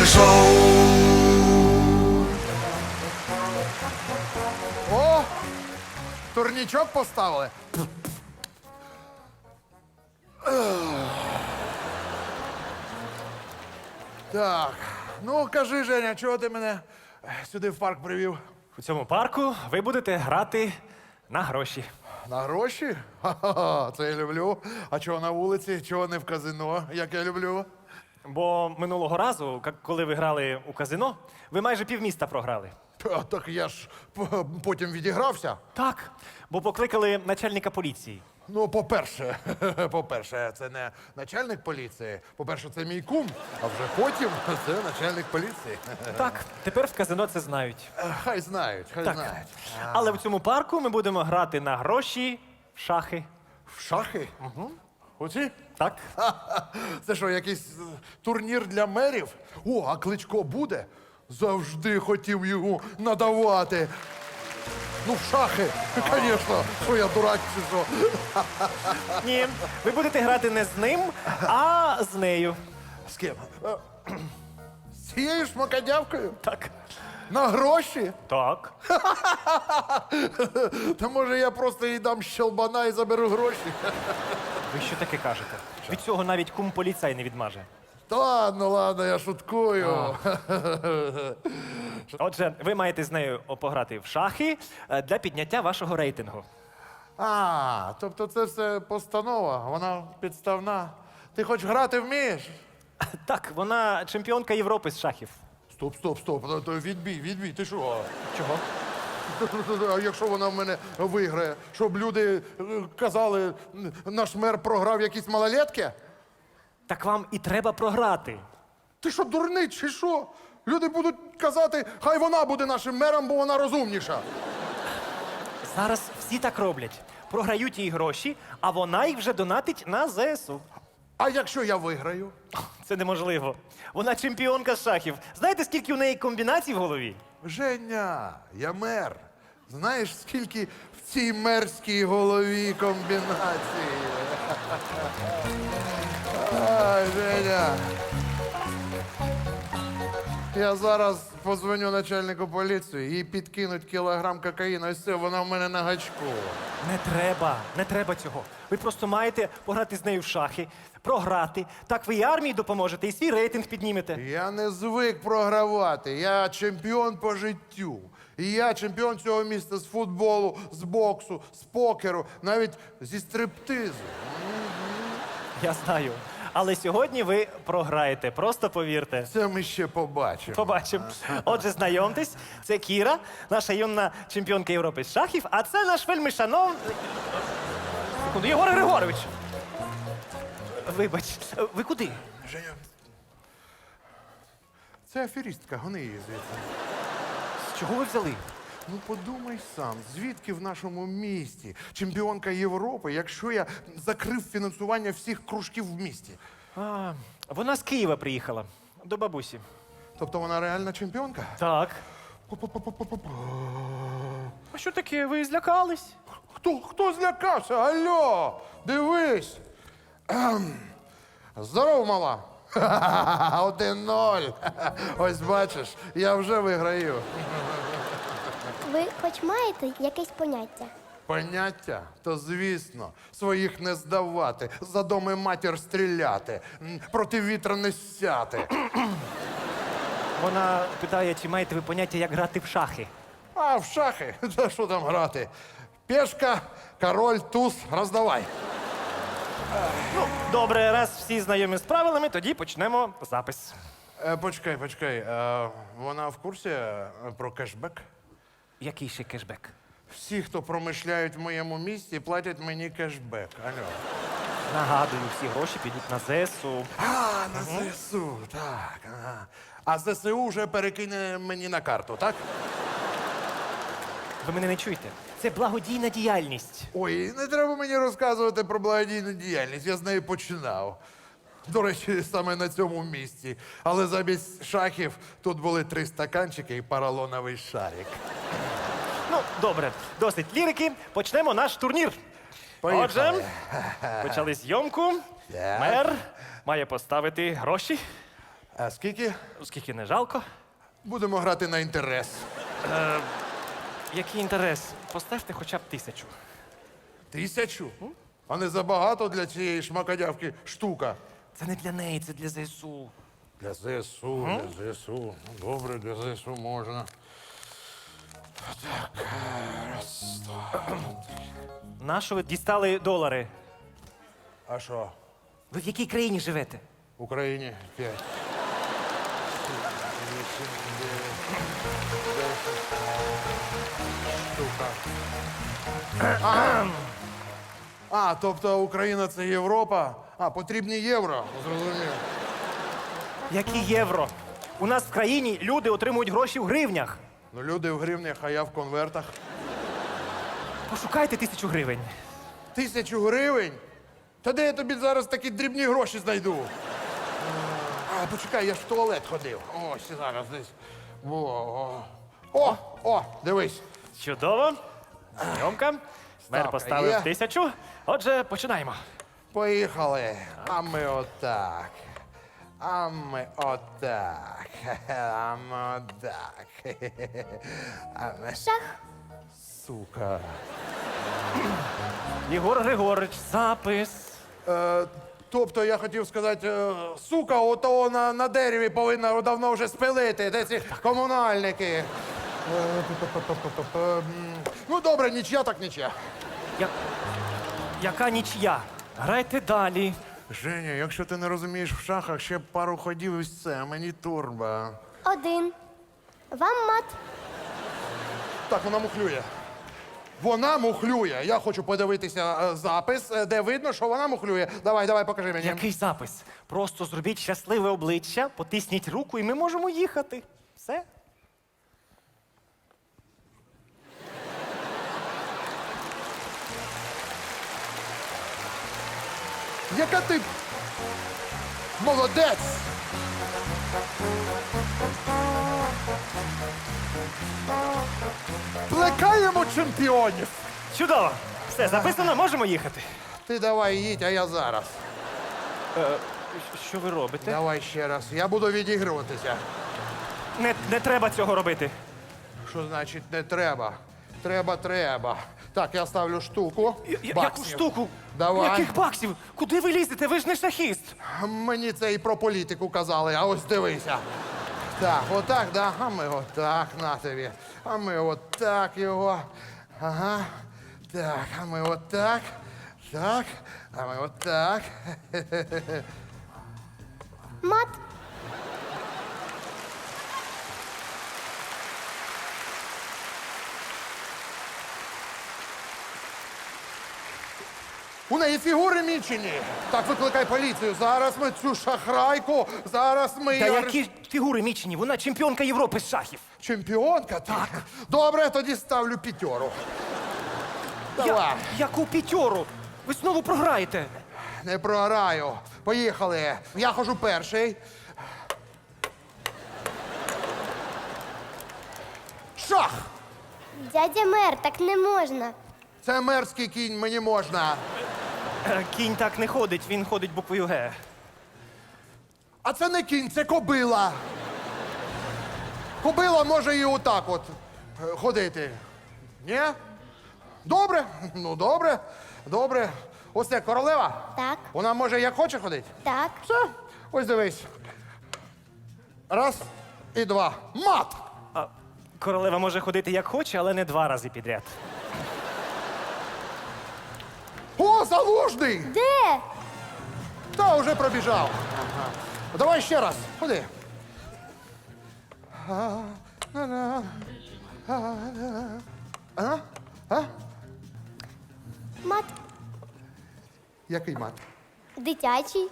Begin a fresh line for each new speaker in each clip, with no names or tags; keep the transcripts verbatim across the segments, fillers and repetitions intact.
шоу.
О! Турнічок поставили. Так, ну кажи, Женя, чого ти мене сюди в парк привів?
У цьому парку ви будете грати на гроші.
На гроші? Ха-ха, це я люблю. А чого на вулиці? Чого не в казино, як я люблю?
Бо минулого разу, ка- коли ви грали у казино, ви майже півміста програли.
Та, так я ж п- потім відігрався.
Так, бо покликали начальника поліції.
Ну, по-перше, по-перше, це не начальник поліції. По-перше, це мій кум, а вже потім це начальник поліції.
Так, тепер в казино це знають.
Хай знають, хай
Так.
знають.
Але в цьому парку ми будемо грати на гроші в шахи.
В шахи? Угу. Оці?
Так?
Це що, якийсь е, турнір для мерів? О, а Кличко буде? Завжди хотів його надавати. Ну, в шахи, звісно. Що я дурак чи що?
Ні, ви будете грати не з ним, а з нею.
З ким? Е, З цією шмакодявкою?
Так.
На гроші?
Так.
Та може я просто їй дам щелбана і заберу гроші?
Ви що таке кажете? Від цього навіть кум поліцай не відмаже.
Та ладно, ладно, я шуткую.
Отже, ви маєте з нею пограти в шахи е, для підняття вашого рейтингу.
А, тобто це все постанова, вона підставна. Ти хоч грати вмієш?
Так, вона чемпіонка Європи з шахів.
Стоп, стоп, стоп. Ну, то Відбій, відбій, ти що?
Чого?
А якщо вона в мене виграє, щоб люди е, казали, н- наш мер програв якісь малолетки?
Так вам і треба програти.
Ти що, дурний, чи що? Люди будуть казати, хай вона буде нашим мером, бо вона розумніша.
Зараз всі так роблять. Програють їй гроші, а вона їх вже донатить на ЗСУ.
А якщо я виграю?
Це неможливо. Вона чемпіонка з шахів. Знаєте, скільки у неї комбінацій в голові?
Женя, я мер. Знаєш, скільки в цій мерській голові комбінацій? Ай, Женя. Я зараз позвоню начальнику поліції, їй підкинуть кілограм кокаїну, і все, вона в мене на гачку.
Не треба, не треба цього. Ви просто маєте пограти з нею в шахи, програти. Так ви і армії допоможете, і свій рейтинг піднімете.
Я не звик програвати, я чемпіон по життю. І я чемпіон цього міста з футболу, з боксу, з покеру, навіть зі стриптизу.
Я знаю. Але сьогодні ви програєте, просто повірте.
Це ми ще побачимо.
Побачимо. Отже, знайомтесь, це Кіра, наша юна чемпіонка Європи з шахів, а це наш вельми шановний... Секунду, Єгор Григорович. Вибач, ви куди?
Женя, це аферістка, гони її звідси.
З чого ви взяли?
Ну подумай сам, звідки в нашому місті чемпіонка Європи, якщо я закрив фінансування всіх кружків в місті?
А, вона з Києва приїхала, до бабусі.
Тобто вона реальна чемпіонка?
Так.
Пу-пу-пу-пу-пу-пу.
А що таке, ви злякались?
Хто, хто злякався? Алло, дивись. Ем. Здорово, мала. Ха-ха-ха, один ноль. Ось бачиш, я вже виграю.
Ви хоч маєте якесь поняття?
Поняття? То звісно, своїх не здавати, за доми матір стріляти, м, проти вітра не сяти.
Вона питає, чи маєте ви поняття, як грати в шахи.
А в шахи? Та що там грати? Пешка, король, туз, роздавай.
Ну, добре, раз всі знайомі з правилами, тоді почнемо запис.
Е, почекай, почекай. Е, вона в курсі е, про кешбек?
Який ще кешбек?
Всі, хто промишляють в моєму місті, платять мені кешбек. Алло.
Нагадую, всі гроші підуть на ЗСУ.
А, на ЗСУ, так. Ага. А ЗСУ вже перекине мені на карту, так?
Ви мене не чуєте? Це благодійна діяльність.
Ой, не треба мені розказувати про благодійну діяльність. Я з неї починав. До речі, саме на цьому місці. Але замість шахів тут були три стаканчики і поролоновий шарик.
Ну, добре, досить лірики. Почнемо наш турнір.
Поїхали.
Отже, почали зйомку.
Так.
Мер має поставити гроші.
А скільки?
Скільки не жалко.
Будемо грати на інтерес.
Який інтерес? Поставте хоча б тисячу.
Тисячу? А не забагато для цієї шмакодявки штука.
Це не для неї, це для ЗСУ.
Для ЗСУ, для ЗСУ. Добре, для ЗСУ можна. Так, раз, два.
Нащо ви дістали долари?
А що?
Ви в якій країні живете?
В Україні п'ять. Вісім, дев'ять, десять. Штука. А, а, тобто Україна це Європа? А, потрібні євро. Зрозумів.
Які євро? У нас в країні люди отримують гроші в гривнях.
Ну, люди в гривнях, а я в конвертах.
Пошукайте тисячу гривень.
Тисячу гривень? Та де я тобі зараз такі дрібні гроші знайду? А, почекай, я ж в туалет ходив. Ось зараз десь. О, о, о, дивись.
Чудово. Зйомка. Мер
Ставка
поставив
є.
тисячу. Отже, починаємо.
Поїхали. А ми отак. А ми отак. А ми отак. А ми...
Шах.
Сука.
Єгор Григорович, запис.
Е, тобто я хотів сказати, е, сука, ото на, на дереві повинна давно вже спилити, де ці комунальники. Е, п-п-п-п-п-п. М, Ну добре, нічия так нічия.
Я... Яка нічия? Грайте далі.
Женя, якщо ти не розумієш в шахах, ще пару ходів і все, мені турба.
Один. Вам мат.
Так, вона мухлює. Вона мухлює. Я хочу подивитися е, запис, е, де видно, що вона мухлює. Давай, давай, покажи мені.
Який запис? Просто зробіть щасливе обличчя, потисніть руку і ми можемо їхати. Все?
Яка ти молодець! Плекаємо чемпіонів!
Чудово! Все, записано, можемо їхати.
Ти давай їдь, а я зараз.
Що ви робите?
Давай ще раз. Я буду відігруватися.
Не, не треба цього робити.
Що значить не треба? Треба, треба. Так, я ставлю штуку.
Я- я- Яку
баксів.
штуку?
Давай.
Яких баксів? Куди ви лізете? Ви ж не шахіст.
Мені це і про політику казали, а ось дивися. Так, отак, да? А ми отак на тобі. А ми отак його. Ага. Так, а ми отак. Так, а ми отак.
Мат.
У неї фігури мічені. Так, викликай поліцію. Зараз ми цю шахрайку, зараз ми
Та
її
які фігури мічені? Вона чемпіонка Європи з шахів.
Чемпіонка? Так. Добре, тоді ставлю п'ятеру. Давай.
Я, яку п'ятьору? Ви знову програєте.
Не програю. Поїхали. Я хожу перший. Шах!
Дядя мер, так не можна.
Це мерський кінь, мені можна.
Е, Кінь так не ходить, він ходить буквою Г.
А це не кінь, це кобила. Кобила може і отак от е, ходити. Ні? Добре? Ну, добре. Добре. Ось це королева?
Так.
Вона може як хоче ходити?
Так.
Все. Ось дивись. Раз і два. Мат!
А королева може ходити як хоче, але не два рази підряд.
О, залужний!
Де?
Та вже пробіжав. Ага. Давай ще раз. Ходи. А? А?
Мат.
Який мат?
Дитячий.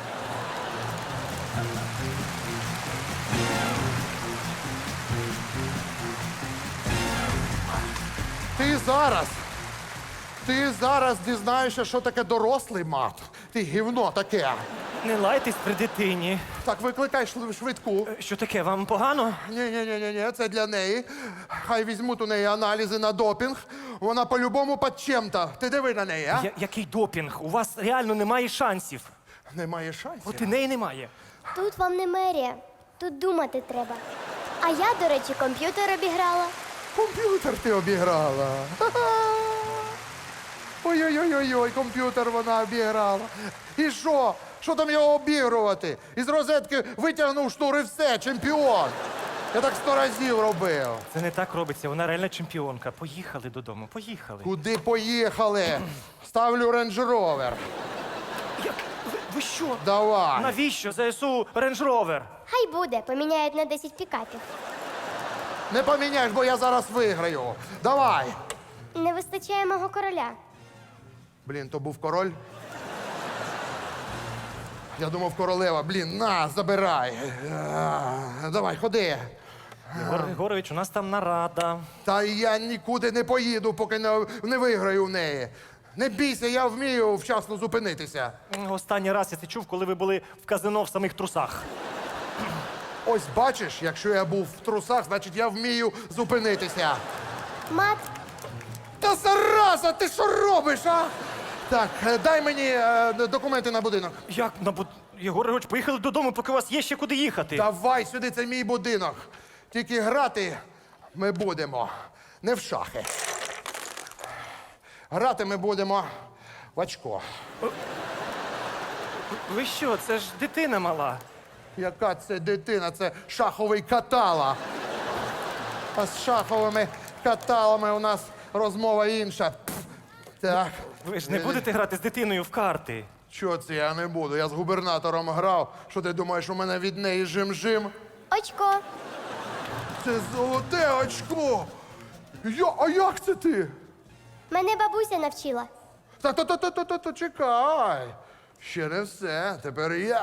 Ти зараз. Ти зараз дізнаєшся, що таке дорослий мат. Ти гівно таке.
Не лайтесь при дитині.
Так, викликай шли- швидку.
Е, Що таке, вам погано?
Ні, ні, ні, ні, ні, це для неї. Хай візьмуть у неї аналізи на допінг. Вона по-любому під чим-то. Ти диви на неї, а?
Я, який допінг? У вас реально немає шансів.
Немає шансів.
От і неї немає.
Тут вам не мерія, тут думати треба. А я, до речі, комп'ютер обіграла.
Комп'ютер ти обіграла. Ха-ха. Ой-ой-ой-ой, комп'ютер вона обіграла. І що? Що там його обігрувати? Із розетки витягнув шнур і все, чемпіон. Я так сто разів робив.
Це не так робиться, вона реальна чемпіонка. Поїхали додому, поїхали.
Куди поїхали? Ставлю рейндж-ровер.
Як? Ви, ви що?
Давай.
Навіщо ЗСУ Range Rover?
Хай буде, поміняють на десять пікапів.
Не поміняєш, бо я зараз виграю. Давай.
Не вистачає мого короля.
Блін, то був король. Я думав, королева. Блін, на, забирай. А, Давай, ходи.
Єгор Григорович, у нас там нарада.
Та я нікуди не поїду, поки не, не виграю в неї. Не бійся, я вмію вчасно зупинитися.
Останній раз я це чув, коли ви були в казино в самих трусах.
Ось бачиш, якщо я був в трусах, значить я вмію зупинитися.
Мат,
Та зараза, ти що робиш, а? Так, е, дай мені е, документи на будинок.
Як на буд... Єгор Григорович, поїхали додому, поки у вас є ще куди їхати.
Давай сюди, це мій будинок. Тільки грати ми будемо не в шахи. Грати ми будемо в очко.
Ви що, це ж дитина мала.
Яка це дитина? Це шаховий катала. А з шаховими каталами у нас розмова інша. Пф. Так.
Ви ж не будете грати з дитиною в карти.
Чого це я не буду? Я з губернатором грав. Що ти думаєш, у мене від неї жим-жим?
очко.
Це золоте очко. Я, а як це ти?
Мене бабуся навчила.
Та то то то то то то чекай. Ще не все. Тепер я.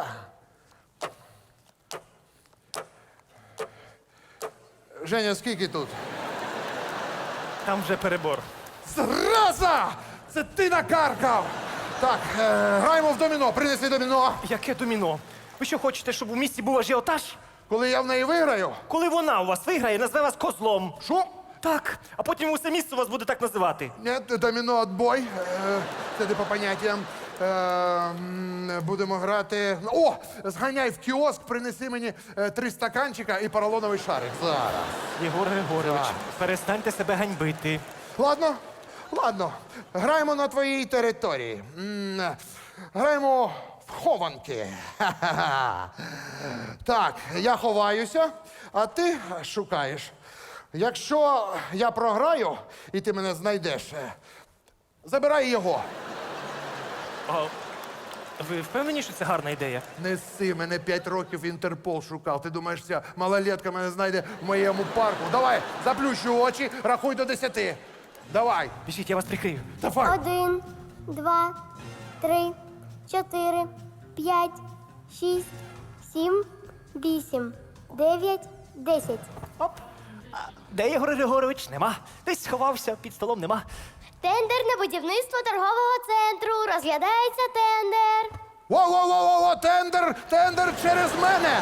Женя, скільки тут?
Там вже перебор.
Зраза! Це ти накаркав! Так, е, граємо в доміно. Принеси доміно.
Яке доміно? Ви що хочете, щоб у місті був ажіотаж?
Коли я в неї виграю.
Коли вона у вас виграє, назве вас козлом.
Що?
Так, а потім усе місце вас буде так називати.
Ні, доміно отбой. Е, це не по поняттям. Е, м, будемо грати. О! Зганяй в кіоск, принеси мені е, три стаканчика і поролоновий шарик. Зараз.
Єгор Григорович,
Так.
перестаньте себе ганьбити.
Ладно? Ладно. Граємо на твоїй території. М, Граємо в хованки. Ха-ха-ха. Так, я ховаюся, а ти шукаєш. Якщо я програю і ти мене знайдеш, е, забирай його.
А ви впевнені, що це гарна ідея?
Неси, мене п'ять років Інтерпол шукав. Ти думаєш, ця малолетка мене знайде в моєму парку? Давай, заплющу очі, рахуй до десяти. Давай,
Біжіть, я вас прикрию.
давай.
Один, два, три, чотири, п'ять, шість, сім, вісім, дев'ять, десять.
Оп. А де Єгор Григорович? Нема. Десь сховався, під столом нема.
Тендер на будівництво торгового центру. Розглядається тендер.
Во-во-во-во, тендер, тендер через мене.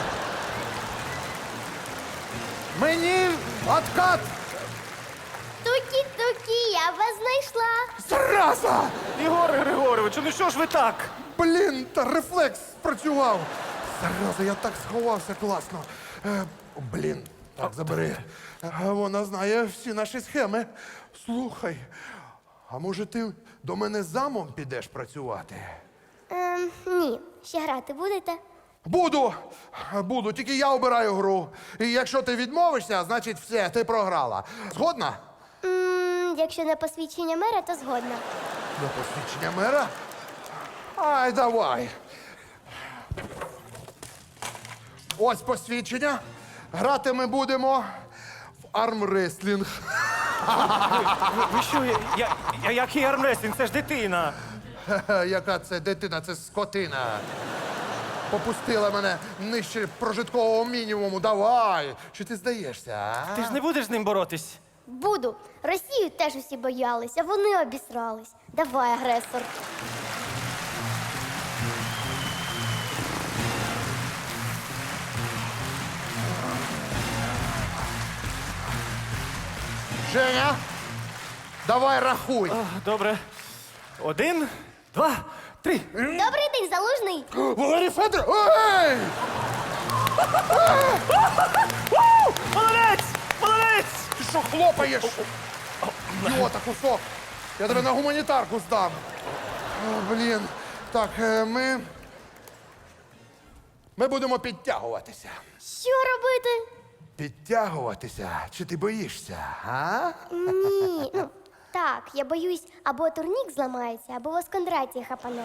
Мені откат.
Тукі-тукі, я вас знайшла.
Зраза!
Єгор Григорович, ну що ж ви так?
Блін, та рефлекс спрацював. Зараза, я так сховався класно. Е, блін, так, забери. Е, Вона знає всі наші схеми. Слухай, а може ти до мене замом підеш працювати?
Ем, ні, ще грати будете?
Буду, буду, тільки я обираю гру. І якщо ти відмовишся, значить все, ти програла. Згодна?
М, якщо на посвідчення мера, то згодна.
До посвідчення мера? Ай, давай. Ось посвідчення. Грати ми будемо в армреслінг.
Ви, ви що, я, я, я, який армрестлінг? Це ж дитина.
Хе-хе, яка це дитина, це скотина. Попустила мене нижче прожиткового мінімуму. Давай. Чи ти здаєшся, а?
Ти ж не будеш з ним боротись.
Буду. Росію теж усі боялися, вони обісрались. Давай, агресор.
Женя, давай рахуй.
А, добре. Один, два, три.
Добрий день, залужний.
Валерій Федорович! Ей! хлопаєш? Йота, кусок. Я тебе на гуманітарку здам. О, блін. Так, е, ми. Ми будемо підтягуватися.
Що робити?
Підтягуватися? Чи ти боїшся? А?
Ні. Ну, так, я боюсь, або турнік зламається, або вас Кондратій хапане.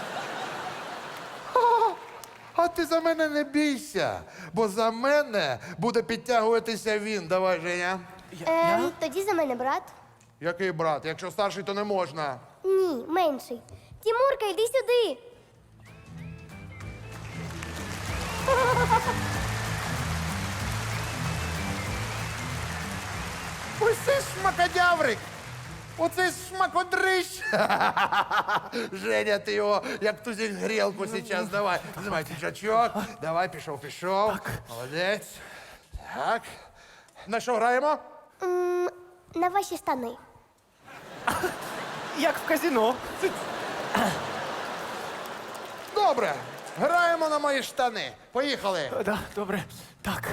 А ти за мене не бійся, бо за мене буде підтягуватися він. Давай, Женя.
Ем, тоді за мене брат.
Який брат? Якщо старший, то не можна.
Ні, менший. Тімурка, йди сюди.
Ось це шмакодяврик! Оце шмакодрищ! Женя, ти його як тузик грілку зараз. Давай, знімай піджачок. Давай, пішов, пішов. Молодець. Так. На що граємо?
М, на ваші штани.
Як в казино.
Добре. Граємо на мої штани. Поїхали.
Да, добре. Так.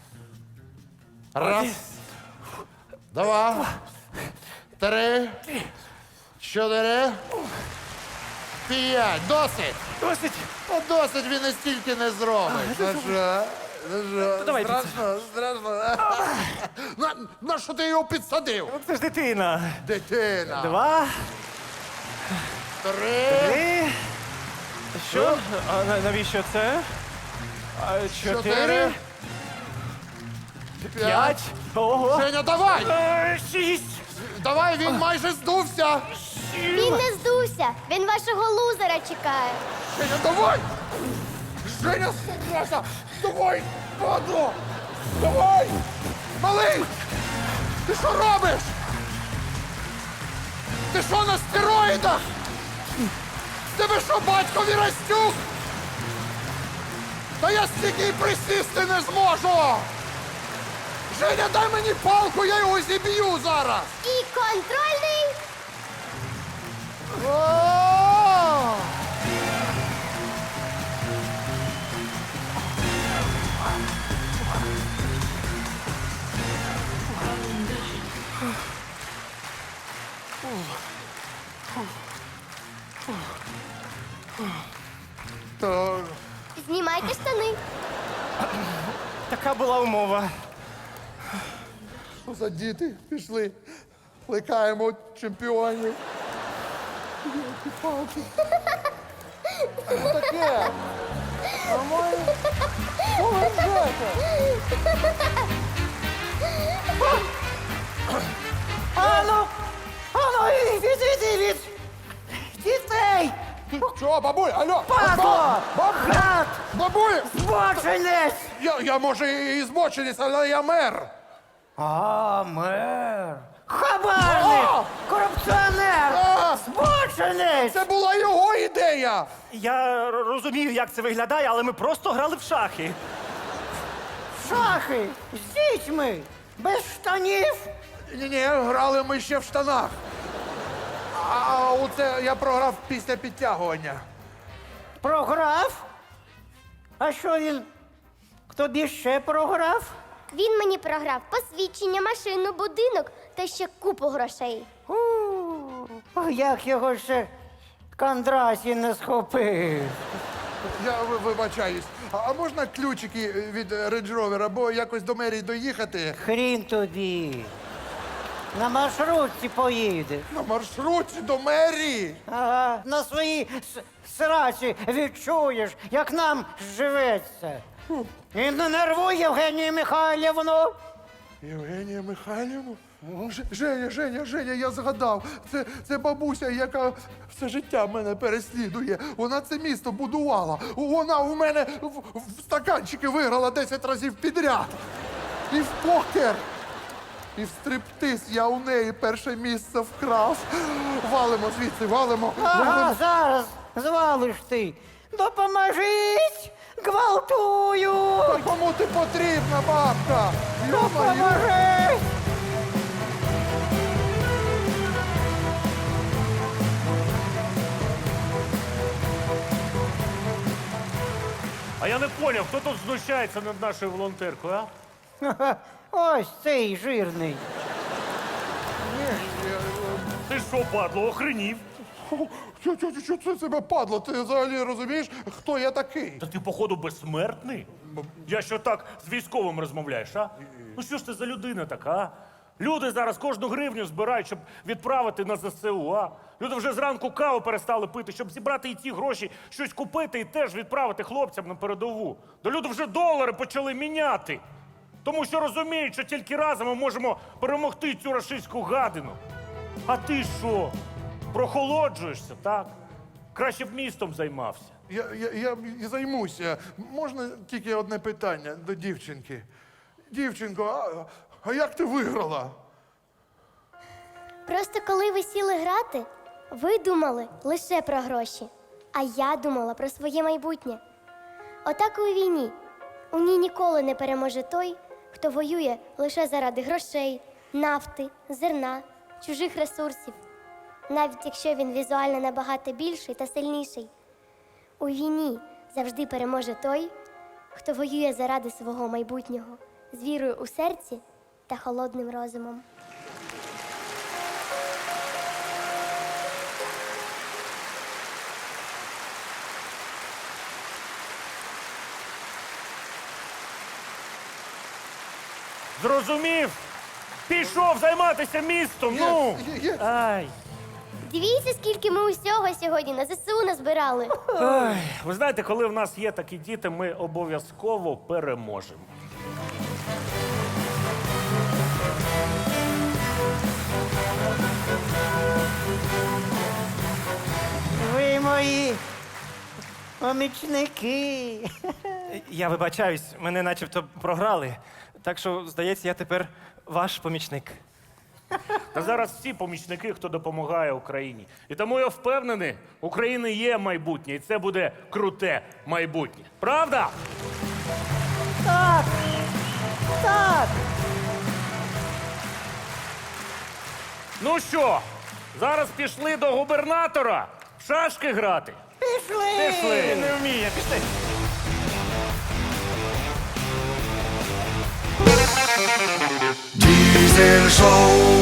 Раз. Два. Три. Чотири. П'ять. Досить.
Досить.
Ну, досить він і стільки не зробить. Ну що? Ну що?
давайте
Страшно, страшно. На, на що ти його підсадив?
Ну, це ж дитина.
Дитина.
Два,
Три.
три. Що? А на- навіщо це? А,
Чотири.
Чотири.
П'ять.
П'ять. Ого.
Женя, давай!
Е, Шість.
Давай, він майже здувся.
Він не здувся. Він вашого лузера чекає.
Женя, давай! Женя, сука! Давай, падло! Давай! Малий! Ти що робиш? Ти що на стероїдах? Тебе що, батько Вірастюк? Та я стільки й присісти не зможу! Женя, дай мені палку, я його зіб'ю зараз!
І контрольний.
О! Так,
Знімайте штани.
Така була умова.
що за діти пішли? Плекаємо чемпіонів. Палки. Що таке? Нормально? Що ви робите?
Ану, ану, від, від, від, дітей!
Що, бабуль, алло?
Падло!
Баб-
Гад!
Бабуль!
Збочинець!
Я, я може і збоченість, але я мер.
А, мер! Хабарник!
О!
Корупціонер!
А!
Збочинець!
Це була його ідея.
Я р- розумію, як це виглядає, але ми просто грали в шахи.
Шахи! З дітьми! Без штанів!
Ні-ні, грали ми ще в штанах. А оце я програв після підтягування.
Програв? А що він? Тобі ще програв?
Він мені програв посвідчення, машину, будинок та ще купу грошей.
У, як його ще Кондрасій не схопив.
Я ви- вибачаюсь. А, а можна ключики від Range Rover, або якось до мерії доїхати?
Хрін тобі. На маршрутці поїде.
На маршруті до мерії.
Ага, на своїй с- сраці відчуєш, як нам живеться. І не нервуй Євгенію Михайлівну.
Євгенія Михайлівна? Ж- Женя, Женя, Женя, я згадав. Це, це бабуся, яка все життя мене переслідує. Вона це місто будувала. Вона у мене в, в стаканчики виграла десять разів підряд. І в покер. І в стриптиз я у неї перше місце вкрав. Валимо звідси, валимо.
Ага,
валимо.
зараз звалиш ти. Допоможіть! Гвалтую!
Та кому ти потрібна, бабка? Йо-моє.
Допоможіть!
А я не поняв, хто тут знущається над нашою волонтеркою, а?
Ха-ха, ось цей жирний.
Ти що, падло, охренів?
Що, що, що це себе падло? Ти взагалі розумієш, хто я такий?
Та ти, походу, безсмертний? Я що так з військовим розмовляєш, а? Ну що ж ти за людина така, а? Люди зараз кожну гривню збирають, щоб відправити на ЗСУ, а? Люди вже зранку каву перестали пити, щоб зібрати і ці гроші, щось купити і теж відправити хлопцям на передову. Да люди вже долари почали міняти. Тому що розуміють, що тільки разом ми можемо перемогти цю рашистську гадину. А ти що? Прохолоджуєшся, так? Краще б містом займався.
Я, я, я і займуся. Можна тільки одне питання до дівчинки. Дівчинко, а, а як ти виграла?
Просто коли ви сіли грати, ви думали лише про гроші, а я думала про своє майбутнє. Отак і у війні. У ній ніколи не переможе той, хто воює лише заради грошей, нафти, зерна, чужих ресурсів. Навіть якщо він візуально набагато більший та сильніший. У війні завжди переможе той, хто воює заради свого майбутнього, з вірою у серці та холодним розумом.
Зрозумів? Пішов займатися містом, ну!
Є, є.
Ай.
Дивіться, скільки ми усього сьогодні на ЗСУ назбирали.
Ой, ви знаєте, коли в нас є такі діти, ми обов'язково переможемо.
Ви мої помічники.
Я вибачаюсь, мене начебто програли. Так що, здається, я тепер ваш помічник.
Та зараз всі помічники, хто допомагає Україні. І тому я впевнений, у України є майбутнє, і це буде круте майбутнє. Правда?
Так. Так.
Ну що, зараз пішли до губернатора в шашки грати?
Пішли.
Пішли.
Не вміє, пішли.
Diesel Show.